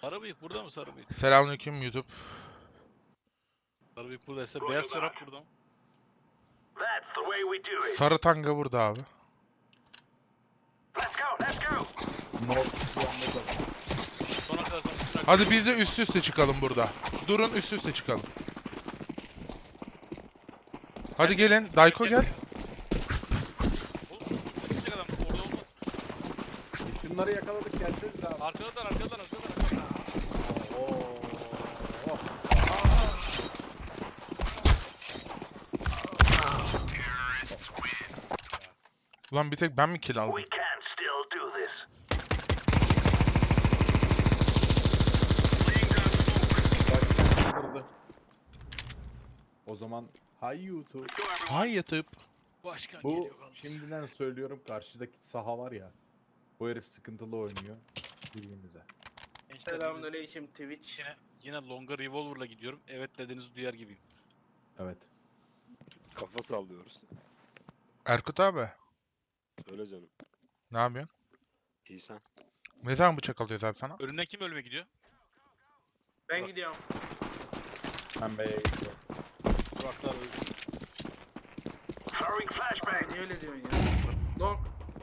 Sarı bıyık burada mı sarı bıyık? Selamünaleyküm YouTube. Sarı bıyık buradaysa beyaz çorap burada mı? Sarı tanga burada abi. Sona kadar sonra Hadi biz de üst üste çıkalım burada. Durun üst üste çıkalım. Hadi gelin. Dayko gel. Oğlum kaçacak adam orada olmaz. Şunları yakaladık gelseniz abi. Arkadan. Oo. Ulan bir tek ben mi kill aldım? Kırdı. O zaman hay YouTube. Hay yatıp. Başkan Bu geliyor kalmış. şimdiden söylüyorum karşıdaki saha var ya. Bu herif sıkıntılı oynuyor. Birbirimize. Gençler, Selamünaleyküm Twitch. yine longa revolver'la gidiyorum. Evet dediğinizi duyar gibiyim. Evet. Kafa sallıyoruz. Erkut abi. Söyle canım. Ne yapıyorsun? İyi sen. Ne zaman bıçak alıyoruz abi sana? Önümden kim ölüme gidiyor? Ben gidiyorum. Ben B'ye gidiyorum. Buraklar ölü. Ay, niye öyle diyorsun ya? Long.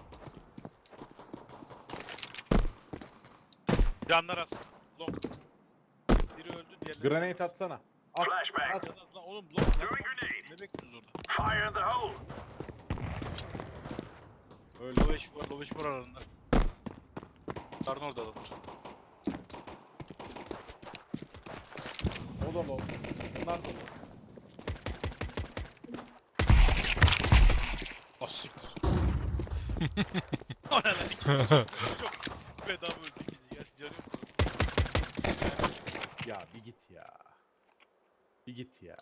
Canlar az. Long. Biri öldü diğerleri. Grenade atsana. At. At. Can az lan oğlum long lan. Ne bekliyorsunuz orada? Öyle. Loveş var aralarında. Karın orada adamlar. O da low. Bunlar da low. Ah siktir. O ne lan? Çok bedava öldü ikinci. Gerçi canı yok. Ya bir git ya. Bir git ya.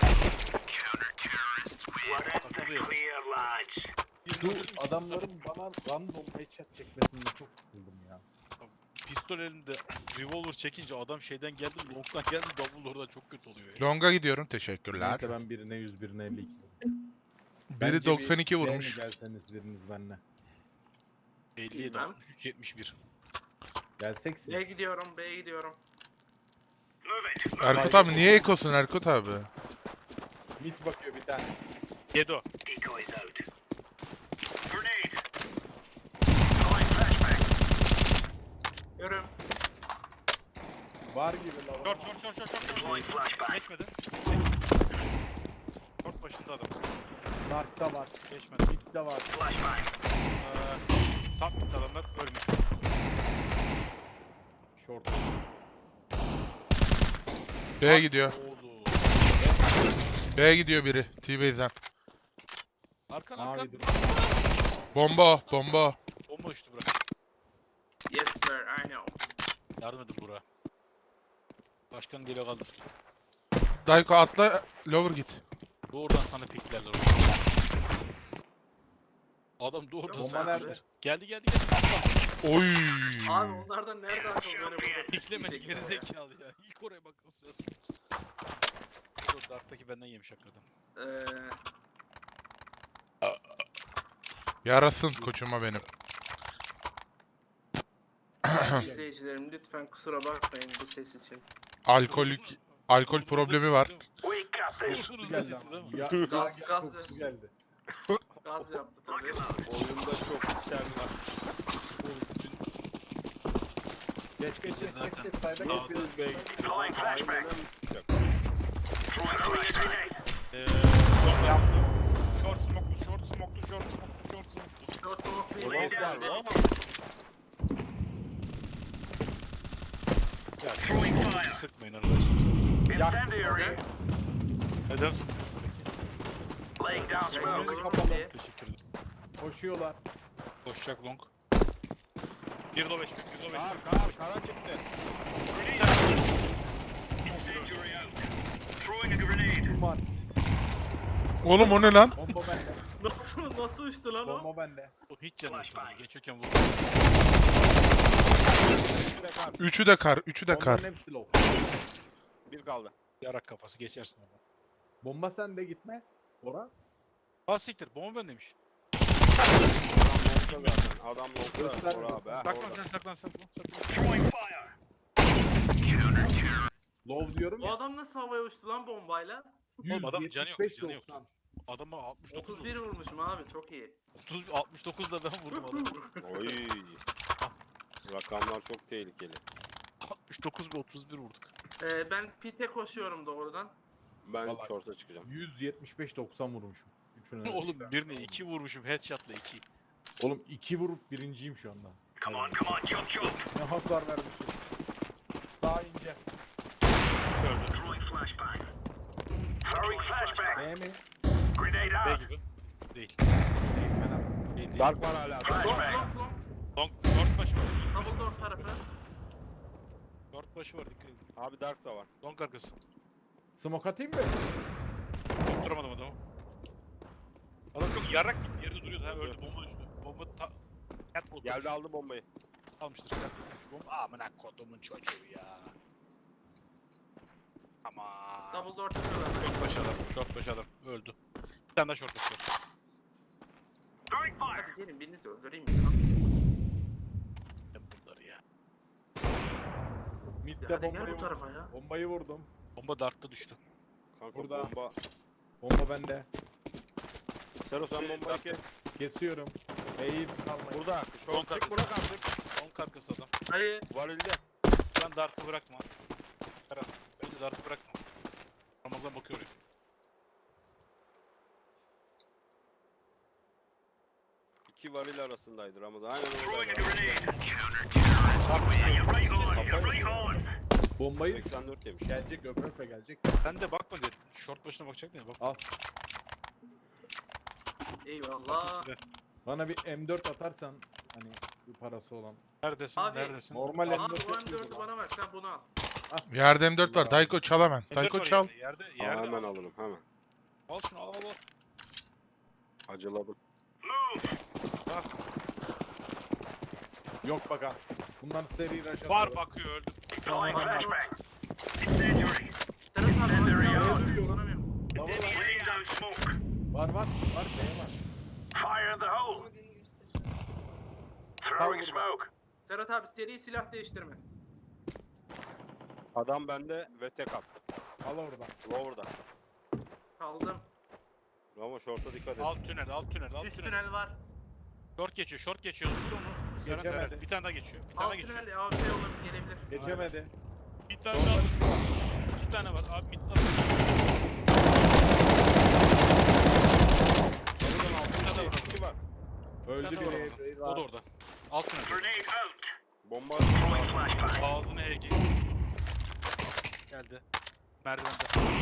Takılıyor. Şu adamların bana random headshot çekmesini çok sıkıldım ya. Pistol elinde revolver çekince adam şeyden geldi, long'dan geldi, double oradan çok kötü oluyor ya. Longa gidiyorum. Teşekkürler. Neyse ben birine 100 birine 52. Biri 92 vurmuş. Gelseniz biriniz benimle. 57, Bilmem. 63, 71. Gelseksin. B'ye gidiyorum, B'ye gidiyorum. Erkut abi niye ekosun Erkut abi? Mid bakıyor bir tane. Yedo. Görüm. Var gibi lan. Short. Geçmedi. Short başında adam. Mark'ta var. Geçmedi. Mid'de var. Tam bitti adamlar, ölmüş. Short. B'ye gidiyor. Oldu. B'ye gidiyor biri. T-Base'den. Arkan. Mavi dur. Bomba o. Bomba o. Bomba uçtu Burak. Yes sir, I know. Yardım edin Burak'a. Başkan geliyor kaldır. Dayko atla. Lower git. Doğrudan sana piklerler orada. Adam doğrudan Bomba sana nerede? pikler. Geldi. Oy. Abi onlardan nerede akıl böyle burada? Piklemedi gerizekalı ya. İlk oraya bakması lazım. Dur, Dark'taki benden yemiş hakikaten. Yarasın koçuma benim. İzleyicilerim lütfen kusura bakmayın bu ses için. Alkol problemi var. Vurdunuz Geldi da ama. değil mi? Ya, Gaz kokusu geldi. Gaz yaptı tabii. Oyunda çok içer var. Geç. Zaten. Sayda Dağda. geç. Biz B'ye gittik. Aynen tutacak. Short smoke'lu. Short smoke bir Olmaz neydi? galiba ama. Ya sıkmayın arkadaşlar. Yak. Neden sıkmıyorsun peki? Önümüz kapalı. Teşekkür ederim. Koşuyorlar. Koşacak long. 1.5 Kara çıktı. Kim var? Oğlum o ne lan? Bomba bende. Nasıl uçtu lan o? Bomba bende. O hiç canı yok. Geçiyorken vurdu. Üçü de kar. Üçü de kar. Bombanın hepsi low. Bir kaldı. Yarak kafası geçersin orada. Bomba sende gitme. Ora. Aa siktir. Bomba ben demiş. Adam longda zaten. Adam longda. Göster, Bora abi. göster. ha, Saklan orada. sen saklan. Low diyorum O ya. adam nasıl havaya uçtu lan bombayla? Oğlum adamın canı yok, 175, canı yok. 90. Adama 69 31 vurmuştum. vurmuşum abi çok iyi. 69 da ben vurdum adamı. Oy. Rakamlar çok tehlikeli. 69 ve 31 vurduk. Ben pite koşuyorum doğrudan. Ben Vallahi- short'a çıkacağım. 175 90 vurmuşum. Üçüne de. Oğlum birine 2 vurmuşum headshot'la 2. Oğlum 2 vurup birinciyim şu anda. Ne hasar vermişim. Sağ ince. Öldü. B mi? B gibi. Değil. Değil ben attım. Değil değil. Dark var hala. Long long long. Long, short başı var. Double door tarafı. Short başı var dikkat edin. Abi Dark da var. Long arkası. Smoke atayım mı? Tutturamadım adamı. Adam çok yarrak gibi yerde duruyordu ha öldü bomba düştü. Bomba catwalk Geldi aldı bombayı. almıştır. Catwalk bomba. Amına kodumun çocuğu ya. Aman. Double door tarafı. Short başı adam. Short başı adam. Öldü. Bir tane daha short başı var. Hadi gelin birinizi öldüreyim ya. Ben bunları ya. Mid'de Hadi gel bombayı bu tarafa ya. Bombayı vurdum. Bomba darkta düştü. Kanka Burada. bomba. Bomba bende. Sero sen bombayı kes. Kesiyorum. Eğil kalmayın. Burada. Long Short çık arkası. bırak artık. Long arkası adam. Hayır. Varilde. Sen dark'ı bırakma. Ferhat. Bence dark'ı bırakma. Ramazan bakıyor oraya. İki varil arasındaydı Ramazan. Aynen oradaydı. Bombayı 84 demiş. gelecek öpe gelecek. Sen de bakma dedi. Short başına bakacak ne bak. Al. Eyvallah. Bana bir M4 atarsan hani bir parası olan. Neredesin? Abi, Neredesin? Normal Abi M4 o yapıyordu M4'ü lan. bana ver sen bunu al. Yerde M4 var. Dayko çal hemen. M4 Dayko var çal. Yerde, Aa, yerde. hemen al. alırım hemen. Al şunu al al al. Acıladım. Yok bak ha. Bunlar seri rush Var atıyor. bakıyor öldü. Serhat abi Nereye bana tutuyor? kullanamıyorum. Var var. Var B var. Serhat abi seri silah değiştirme. Adam bende ve tek at. Al oradan. Lower'da. Kaldım. Ama short'a dikkat et. Alt tünel, alt tünel, alt Üst tünel. tünel var. Short geçiyor, short geçiyor. Vur onu. Serhat Geçemedi. Eren. Bir tane daha geçiyor. Bir tane Alt daha geçiyor. tünel AWP olabilir gelebilir. Geçemedi. Bir tane daha. İki tane var. Abi mid var. Ramazan altında da var. İki var. Öldü Bir tane var biri. O da orada. Alt tünel. Bomba. Ağzını HG. Geldi. Merdivende.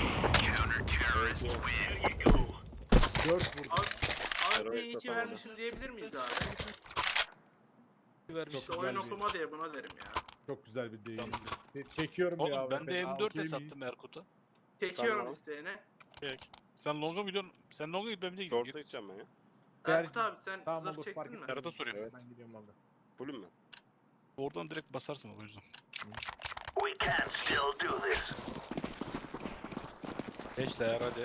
4 vurdu. AWP'yi 2 vermişim diyebilir miyiz abi? Vermiş. İşte Çok oyun güzel bir- okuma diye buna derim ya. Çok güzel bir deyim. Çekiyorum ya. Oğlum ben de M4 sattım Erkut'a. Çekiyorum Tamam. isteğine. Çek. Sen longa mı gidiyorsun? Sen longa git ben de gidiyorum. Short'a gideceğim ben ya. Erkut abi sen Tamam, zırh olur, fark çektin mi? etmez. Serhat'a soruyorum. Evet. Ben gidiyorum abi. Fullüm mü? Oradan direkt basarsın o yüzden. Gençler hadi.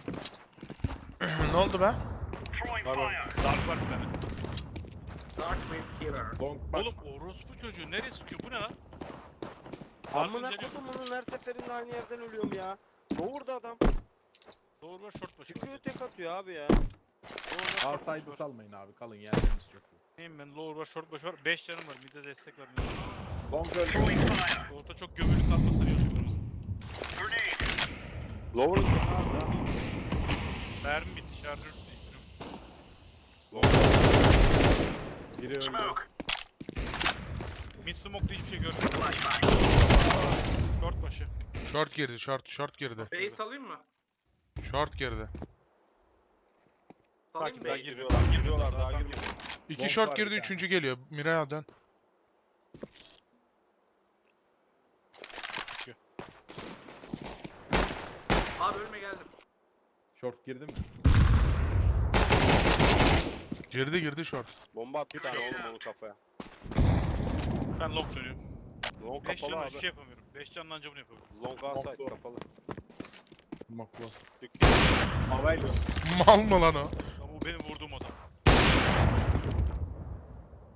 Ne oldu be? Var var. Dark var bir tane. Dark Wave Killer. Long bak. Oğlum orospu çocuğu nereye sıkıyor? Bu ne lan? Amına geliyor. kodumunun her seferinde aynı yerden ölüyorum ya. Lower'da adam. Doğru var short başı Çıkıyor var. tek atıyor abi ya. Sağ saydı salmayın abi. Kalın yerleriniz çok iyi. Neyim ben lower var short başı var. 5 canım var. Mid'e destek var. mid'e destek var. Long öldü. Orta çok gömülü kalmasın yazıyor kırmızı. Lower'ın Mermi bitti. Şarjör değiştiriyorum. Biri öldü. Mid smoke'da hiçbir şey görmedim. Short başı. Short girdi. Short girdi. B'yi salayım mı? Short girdi. Salayım mı? Daha Bey girmiyor. giriyorlar, giriyorlar daha Daha girmiyor. İki Long short var girdi. bir Üçüncü geliyor. Miray'a dön. Abi ölme geldim. Short girdi mi? Girdi short. Bomba attı bir tane oğlum onun kafaya. Ben long dönüyorum. Long 5 kapalı canla abi. hiçbir şey yapamıyorum. 5 canla anca bunu yapıyorum. Long outside Long kapalı. Makro. Dük- Havayla. Mal mı lan o? Ama bu benim vurduğum adam.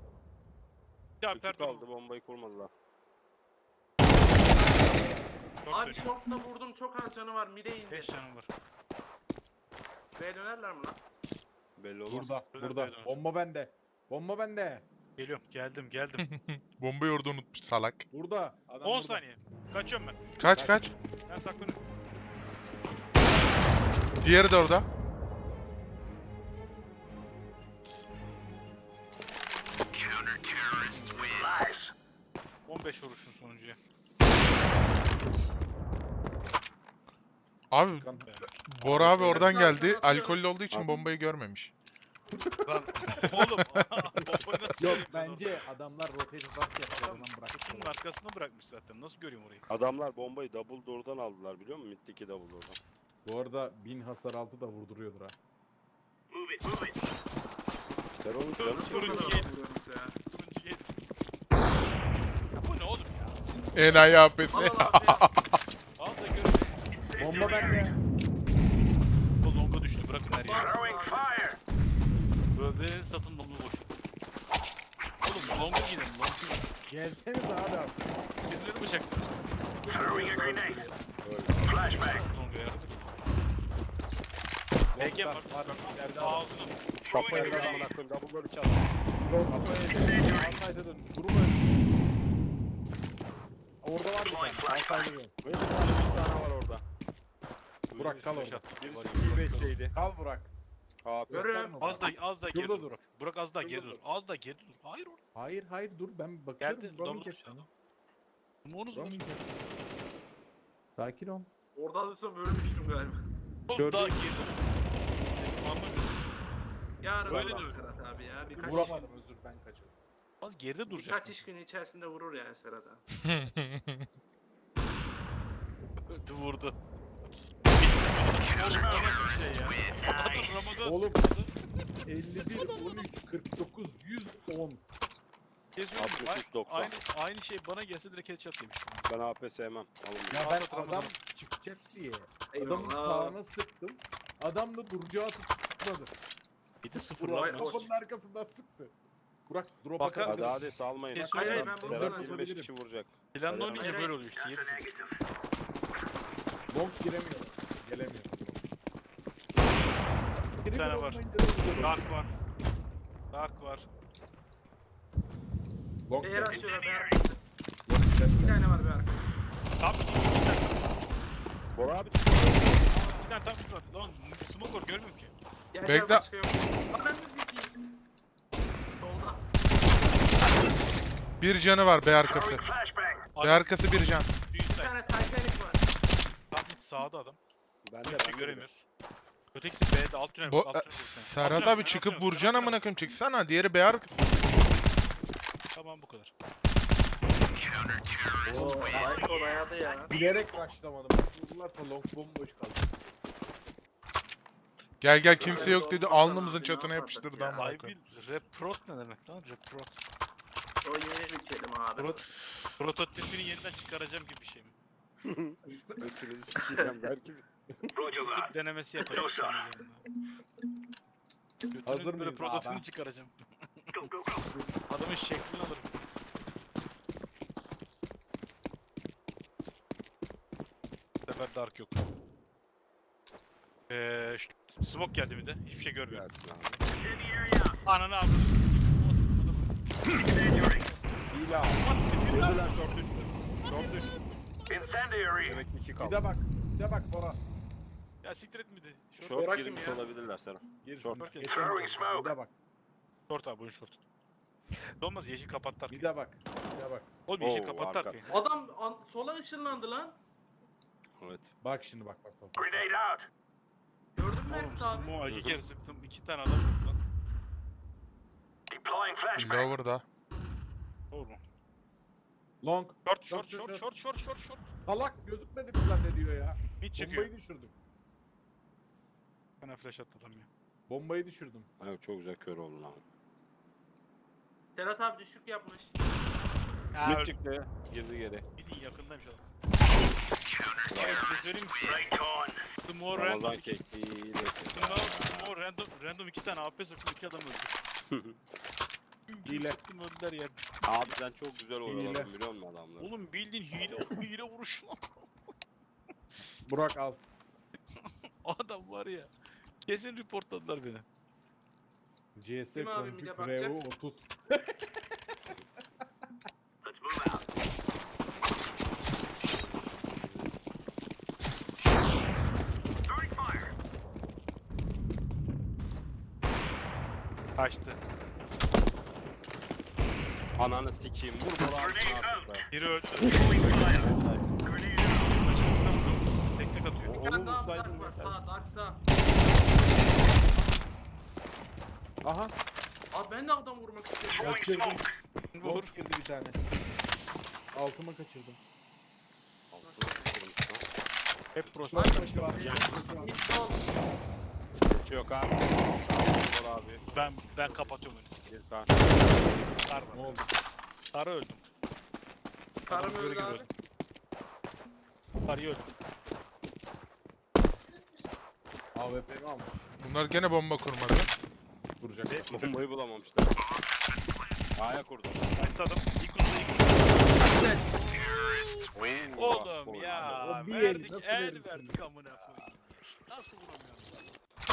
Ya İki pardon. kaldı bombayı kurmadılar. Short Abi dön. short'ta vurdum çok az canı var. Mide indi. 5 canım var. B'ye dönerler mi lan? Belli olmaz. Burada. Döner, Burada. döner. Bomba bende. Bomba bende. Geliyorum. Geldim. Bombayı orada unutmuş salak. Burada. Adam 10 burada. saniye. Kaçıyorum ben. Kaç. Ben saklanıyorum. Diğeri de orada. Nice. 15 vuruşun sonuncuya. Abi Kan- Bora abi oradan Ben geldi. zaten atıyorum. Alkollü olduğu için At. bombayı görmemiş. Lan oğlum. Bombayı nasıl Yok göreyim ben bence adamlar rotate bak yapıyor. Adam Adam bıraktı. Kutunun arkasına bırakmış zaten. Nasıl göreyim orayı? Adamlar bombayı double door'dan aldılar biliyor musun? Mid'deki double door'dan. Bu arada 1000 hasar altı da vurduruyordur ha. Sen onu Dur, canı dur. Çok Turuncu az gel. vuruyoruz ya. Turuncu yet. Ya bu ne oğlum ya? Enayi APS. Al al abi. Al da gör. Bomba bende. Bu longa düştü. Bırakın her yeri. Fire. Böyle satın longa boş. Oğlum longa gidelim. Longa gidelim. Gelseniz abi artık. Birileri bıçaktı. Öyle. Longa yaradık. Ege var. Var. İleride adam. Ağzına. Kafaya da amına koyayım double door'u çal. Long kafaya yedi. Alsaydı dön. Durma. Orada var bir tane. Alsaydı dön. Böyle bir tane 3 tane var orada. Burak kal orada. Birisi B5'teydi. Kal Burak. AP. Görüyorum. Az da geri Şurada dur. dur. Burak az da Şurada geri dur. dur. Az da geri dur. Hayır orada. Hayır dur ben bakıyorum. Geldi. Vuramayacak Double sana. Monuz var. Vuramayacak. Sakin ol. Orada alırsam ölmüştüm galiba. Oğlum Gördün daha mü? geri dur. Anlamıyorum. Yarın Öyle olur de Serhat abi ya. Birkaç, Vuramadım özür ben kaçırdım. Az geride duracak. birkaç iş günü içerisinde vurur yani Serhat abi. Vurdu. Oğlum o nasıl bir şey ya? Adam Ramazan Oğlum. sıkıldı. 51, 13, 49, 110. Geziyorum. 63, 90. Aynı şey bana gelse direkt headshot yemiş. Ben AP sevmem. Alın bunu. Ya Al ben da Ramazan'ı. adam çıkacak diye. Adamın Eyvallah. sağına sıktım. Adam da duracağı tutmadı. 7-0 Burak lan Oy, maç. kapının arkasından sıktı. Burak drop Bakar- atabilir. Hadi salmayın. Hayır, hayır, ben bunu Serhat ben 25 kişi vuracak. Planla Hayır, oynayınca hayır. böyle oluyor işte. 7-0. Long giremiyor. Gelemiyor. Bir tane var. Dark var. Dark var. Long B'ye gelemiyor. açıyorlar. B'ye açıyorlar. Bir tane var bir arkada. Tam bir tane. Bora abi Bir tane tam bir var. Lan smoke var görmüyorum ki. Gel, Bekle. gel, başka yok. Ananı sikeyim. Solda. Bir canı var B arkası. B arkası bir can. Bir Suicide. tane Titanic var. Tam mid sağda adam. ben de Hiçbir şey göremiyoruz. Ötekisi B'de alt tünel. Bu alt tünel vurdu sen. Serhat Alt tünel, abi alt çıkıp tünel, vuracaksın alt amına tünel. koyayım çıksana. Diğeri B arkası. Tamam bu kadar. Oo, Michael dayadı ya. Bilerek rushlamadım. Vurdularsa long bomboş kaldı. Gel kimse yok dedi. Olmasa Alnımızın abi, çatına ne yapıştırdı yapardık ya? amına Ay koyayım. bir reprot ne demek lan reprot? O yeni bir kelime abi. Prototipini yeniden çıkaracağım gibi bir şey mi? Ötünüzü sikeceğim belki. Prototip denemesi yapacağım senin üzerinden. Hazır Götünün böyle mıyız prototipini abi? çıkaracağım. Adamın şeklini alırım. Bu sefer dark yok. Smoke geldi bir de. Hiçbir şey görmüyorum. Gelsin abi. Ananı avradım. Hile al. Girdiler short üstü. Short üstü. Demek ki 2 Bir kaldı. de bak. Bir de bak Bora. Ya siktir et miydi? Short Bırak girmiş kim ya? olabilirler Serhat. Girsin. Short. Geçen bir de bak. Short abi oyun short. Olmaz yeşil kapattı Bir arkayı. de bak. Bir de bak. Oğlum yeşil Oo, kapattı arka. arkayı. Adam sola ışınlandı lan. Evet. Bak şimdi bak. Gördün mü Oğlum Erkut abi? smoke'a iki Hı hı. kere sıktım. 2 tane adam vurdu lan. Lower'da. Doğru mu? Long. Short Short, short short, short short short short. Salak gözükmedi mi zannediyor ya. Mid çıkıyor. Bombayı düşürdüm. Bana flash attı adam ya. Bombayı düşürdüm. Evet çok güzel kör oldun abi. Serhat abi düşük yapmış. Ya Mid öldü. çıktı. Girdi geri. Midin yakındaymış adam. Abi bir şey söyleyeyim mi size? Small random. Ramazan kekliği de. Small random 2 tane AP sıktım 2 adam öldü. Hile. Sıktım öldüler yerde. Abi sen çok güzel Hile. oyaladın biliyor musun adamları? Oğlum bildiğin hile vuruş lan. Burak al. O adam var ya. Kesin reportladılar beni. CS Kim abi bir de Config bakacak? Revo 30. Kaçtı. Ananı sikeyim. Vur Bora abi. Ne yaptık be? Biri öldü. Vallahi. Tek tek atıyor. Bir Onu tane daha vursaydın var yeter. sağ, dark sağ. Aha. Abi ben de adam vurmak istiyorum. Kaçırdım. Vur. Long girdi bir tane. Altıma kaçırdım. Altına sıkılmış lan. Hep prost. Short başı var. Mid sol. Hiç yok abi. Bora abi. Ben kapatıyorum önü. Bir kan. Sar Ne var. oldu? Sarı öldüm. Karım Adam göre öldü göre abi. öldüm. Sarıyı öldüm. AWP'mi almış. Bunlar gene bomba kurmadı. Duracak. Bombayı bulamamışlar. A'ya kurdum. Kaçtı adam. İlk uzun ilk uzun. Oo, Oğlum bas ya. O bir Verdik eli nasıl el verirsin? verdik amına koyayım. Nasıl vuramıyorum sana?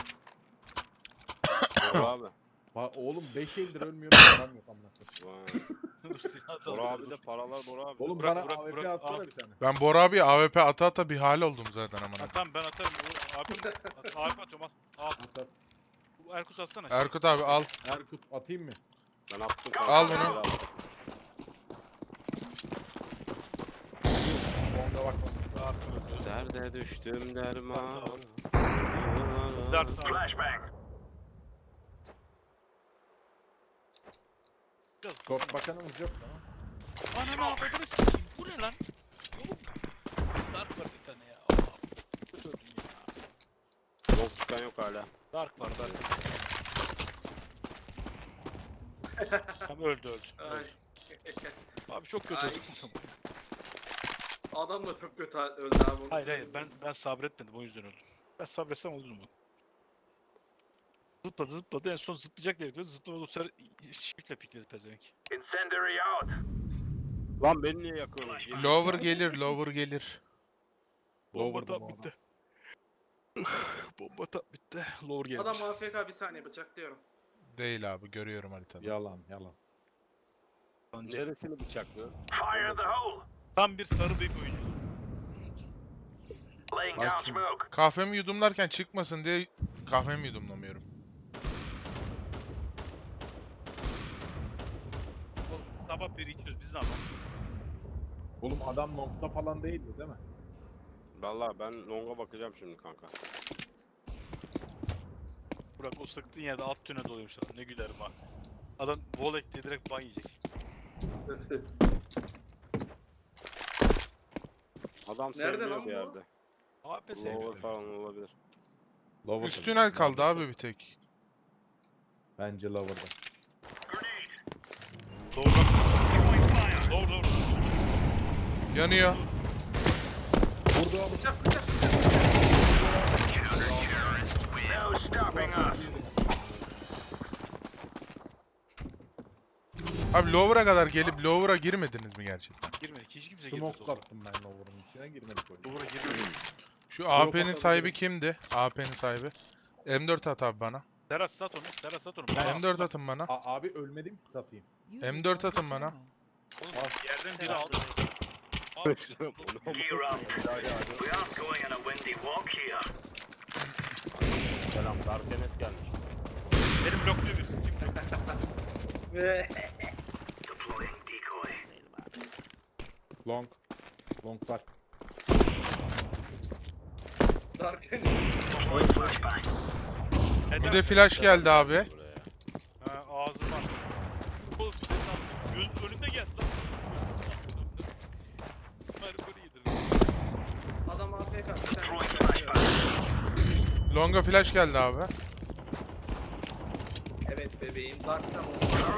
Bora abi. Oğlum 5 eldir ölmüyorum. Param yok amına koyayım. Vay. Dur silah atalım. Bora abi de paralar Bora abi. Oğlum Burak, bana Burak, AWP Burak, atsana abi. bir tane. Ben Bora abi AWP ata ata bir hal oldum zaten Ha, amına. tamam ben atarım. Abi atıyorum al. Al. At at. Bu Erkut atsana. Erkut abi al. Erkut atayım mı? Ben attım. Al kanka. bunu. Longa bakma. Derde düştüm derman. Dart flashback. Short bakanımız yok mu? Ananı avradını sikeyim. Bu ne lan? Oğlum. Dark var bir tane ya. Aa, kötü öldüm ya. Yok çıkan yok hala. Dark var Dark. Tamam öldü. Ay. Abi çok kötü Ay. öldüm. Adam da çok kötü öldü abi. onu Hayır söyleyeyim. ben sabretmedim o yüzden öldüm. Ben sabretsem olurdu mu? Zıpladı en son zıplayacak diye bekliyordu. Zıplamadı o sefer shift'le pikledi pezevenk. Lan beni niye yakıyorsunuz? Gelin. Lower gelir gelir. Bomba Lower'da tap bu bitti. Bomba tap bitti. Lower gelmiş. Adam AFK bir saniye bıçaklıyorum. Değil abi görüyorum haritada. Yalan yalan. Neresini bıçaklıyor? Tam bir sarı bıyık oyuncu. Bak şimdi. Kahvemi yudumlarken çıkmasın diye kahvemi yudumlamıyorum. Oğlum sabah 1-200 biz ne yapalım? Oğlum adam nokta falan değildi değil mi? Vallahi ben longa bakacağım şimdi kanka. Burak o sıktığın yerde alt tüne doluyormuş adam. Ne gülerim ha. Adam volek diye direkt ban yiyecek. Adam Nerede seviliyor lan bir bu? yerde. AP Lower sevmiyor. falan olabilir. Lower Üst tünel kaldı abi bir tek. Bence lower'da. Doğru. Yanıyor. Vurdu. Bıçak bıçak. Abi lower'a kadar gelip lower'a girmediniz mi gerçekten? Girmedik. Hiç kimse girmedi. Smoke attım ben lower'ın içine girmedik oyuna. Doğru girmedik. Şu AP'nin atabilirim. sahibi kimdi? AP'nin sahibi. M4 at abi bana. Serhat sat onu. Serhat sat onu. M4 atın bana. Abi ölmedim ki satayım. M4 atın bana. Oğlum, yerden biri aldı. Selam, Dark Enes gelmiş. Benim blokluyor birisi. Ve Long. Long bak. Dark Bir de flash geldi abi. Buraya. Ha, ağzı var. Oğlum senin abi gözün önünde geldi lan. Merkuri yedir. adam AFK bir tane. Long'a flash geldi abi. Evet bebeğim Dark tam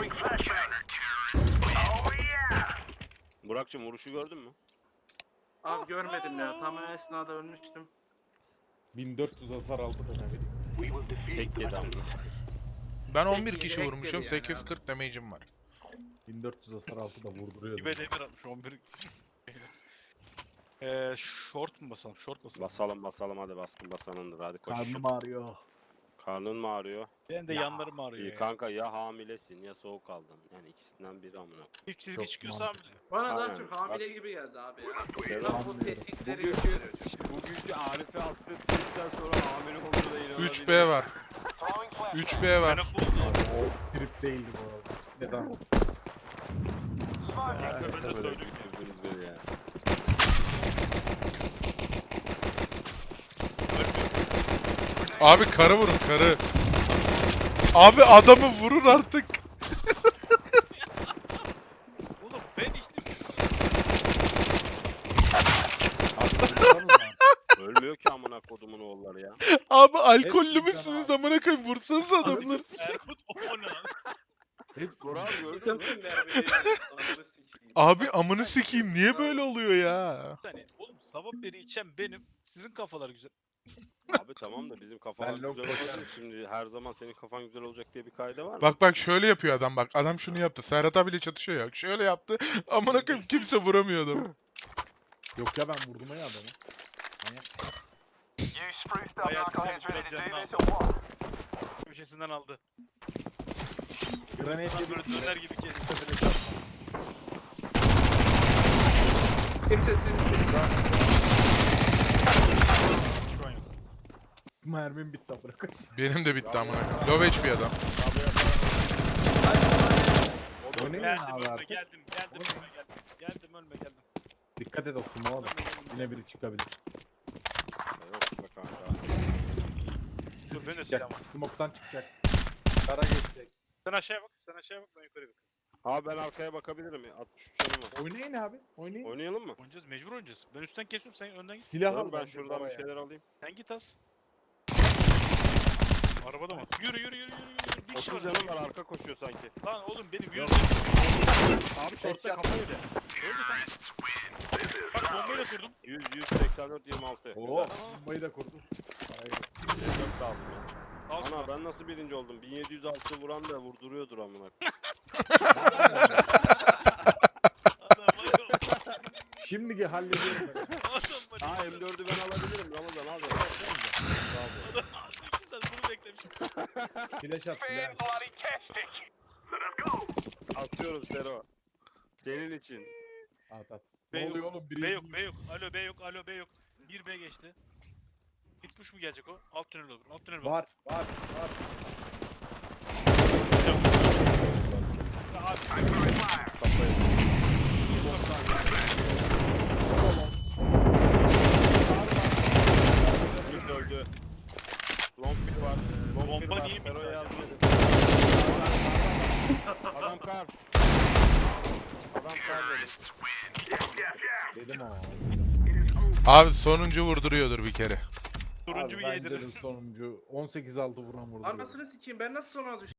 Burak'cığım vuruşu gördün mü? Abi görmedim ya. Tam o esnada ölmüştüm. 1400 hasar aldı da ne bileyim. Tek yedi amına. Ben 11 Peki, kişi direkt vurmuşum. geliyor yani 840 damage'im var. 1400 hasar aldı da vurduruyordu. Dibe demir atmış 11. Short mu basalım? Short basalım. Basalım hadi baskın basanındır hadi koş. Karnım ağrıyor. Karnın mı ağrıyor? Benim de yanlarım ağrıyor İyi ya. kanka ya hamilesin ya soğuk aldın. Yani ikisinden biri amına. Çift çizgi Çok çıkıyorsa mantıklı. hamile. Bana daha Aynen. çok hamile gibi geldi abi ya. Selam. Tam o tehditleri Bugünkü Arif'e attığı tweetten sonra hamile olduğuna inanabilirim. 3B var. 3B var. Menopuz. O trip değildi bu arada. Neden? Ben de söyleyeyim. Gördünüz beni ya. Abi karı vurun karı. Abi adamı vurun artık. Oğlum ben içtim siz. Ölmüyor ki amına kodumun oğulları ya. Abi alkollü Hepsi müsünüz canavar. amına koyayım vursanız adamları. Erkut o ne lan? Hepsi. Kural gördün mü? Takım derbileri. Ananı sikeyim. Abi amını sikeyim niye böyle oluyor ya? Yani oğlum sabah beri içen benim. Sizin kafalar güzel. Abi tamam da bizim kafalar Ben güzel lok olacak. koşarım. Şimdi her zaman senin kafan güzel olacak diye bir kaide var mı? Bak şöyle yapıyor adam bak. Adam şunu yaptı. Serhat abiyle çatışıyor ya. Şöyle yaptı. Amına koyayım kimse vuramıyor adamı. Yok ya ben vurdum ya adamı. Manyak. Hayatım biraz canını aldı. Köşesinden aldı. Granate Tam yedim. böyle döner gibi kesti. Kimse seni Şu an yok. Mermim bitti bırak. Benim de bitti amına koyayım. Low HP adam. O ne Geldim abi ölme artık? geldim. Geldim ölme geldim. Geldim ölme geldim. Dikkat et o sumo da. Yine biri çıkabilir. Yok be kanka. Dur ben de Çıkacak. silah var. Smoke'tan çıkacak. Kara geçecek. Sen aşağıya bak. Sen aşağıya bak ben yukarıya bak. Abi ben arkaya bakabilirim ya. 63 canım var. Oynayın abi. Oynayın. Oynayalım mı? Oynayacağız mecbur oynayacağız. Ben üstten kesiyorum sen önden git. Silah Tamam, al ben bence şuradan bir oraya. şeyler alayım. Sen git az. Arabada mı? Yürü yürü yürü yürü. Bir kişi 30 var. canım var arka koşuyor sanki. Lan oğlum benim yürü. Abi şortta kafa yedi. Öldü kanka. Bak bombayla durdum. 184 26. Oo, bombayı da kurdum. Hayır. 4 da aldım ya. Al şunu. Ana ben nasıl birinci oldum? 1706 vuran da vurduruyordur amına. Adam var ya. Şimdi hallediyorum ben. Adam var ya. Aa M4'ü ben alabilirim Ramazan abi. Adam 2 saat bunu beklemişim. Flash at flash. Atıyorum Sero. Senin için. At at. B Ne yok, oluyor oğlum? B yok, B yok. Alo B yok, alo B yok. 1 B geçti. Mid push mu gelecek o? Alt tünel olur. Alt tünel var. Var. Ya abi, Mid öldü. Long bir var. Long bir Bomba var. niye mid Sero'ya var yardım ya? edin. Adam kar. Adam kar dedi. Dedim ama. Abi sonuncu vurduruyordur bir kere. turuncu bir Abi bence de yedirir. sonuncu 18-6 vuran vurdu. Anasını sikeyim ben nasıl sona düştüm?